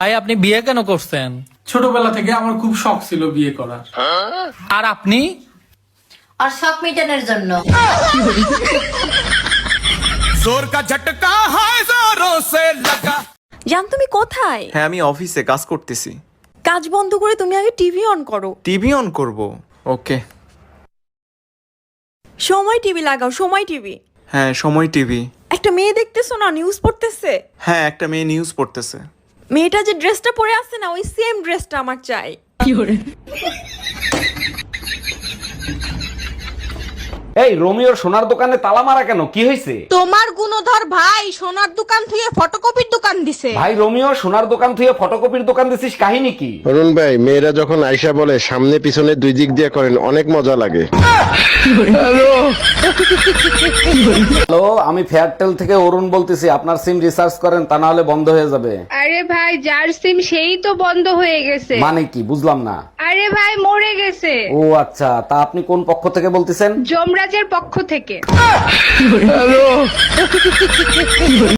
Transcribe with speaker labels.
Speaker 1: ভাই আপনি বিয়ে কেন করছেন?
Speaker 2: ছোটবেলা থেকে আমার খুব শখ ছিল বিয়ে করার।
Speaker 1: আর আপনি?
Speaker 3: আর শখ মেটানোর জন্য।
Speaker 4: जोर का झटका है जोरों से लगा।
Speaker 5: জান তুমি কোথায়?
Speaker 6: হ্যাঁ আমি অফিসে কাজ করতেছি।
Speaker 5: কাজ বন্ধ করে তুমি আগে টিভি অন করো।
Speaker 6: টিভি অন করব? ওকে।
Speaker 5: সময় টিভি লাগাও, সময় টিভি।
Speaker 6: হ্যাঁ সময় টিভি।
Speaker 5: একটা মেয়ে দেখতেছো না, নিউজ পড়তেছে।
Speaker 6: হ্যাঁ একটা মেয়ে নিউজ পড়তেছে।
Speaker 5: মেয়েটা যে ড্রেসটা পরে আছে না, ওই সেম ড্রেসটা আমার চাই।
Speaker 7: এই রোমিওর সোনার দোকানে তালা মারা কেন? কি হয়েছে?
Speaker 8: তোমার গুণধর ভাই সোনার দোকান থেকে ফটোকপির দোকান দিছে।
Speaker 7: ভাই রোমিও সোনার দোকান থেকে ফটোকপির দোকান দিছিস, কাহিনী কি?
Speaker 9: অরুণ ভাই, মেয়েরা যখন আয়সা বলে সামনে পিছনে দুই দিক দিয়ে করেন, অনেক মজা লাগে।
Speaker 7: হ্যালো, আমি ফেয়ারটেল থেকে অরুণ বলতেছি। আপনার সিম রিচার্জ করেন, তা না হলে বন্ধ হয়ে যাবে।
Speaker 10: আরে ভাই যার সিম সেই তো বন্ধ হয়ে গেছে।
Speaker 7: মানে কি বুঝলাম না।
Speaker 10: আরে ভাই মরে গেছে।
Speaker 7: ও আচ্ছা, তা আপনি কোন পক্ষ থেকে বলতেছেন?
Speaker 10: যমরাজের পক্ষ থেকে।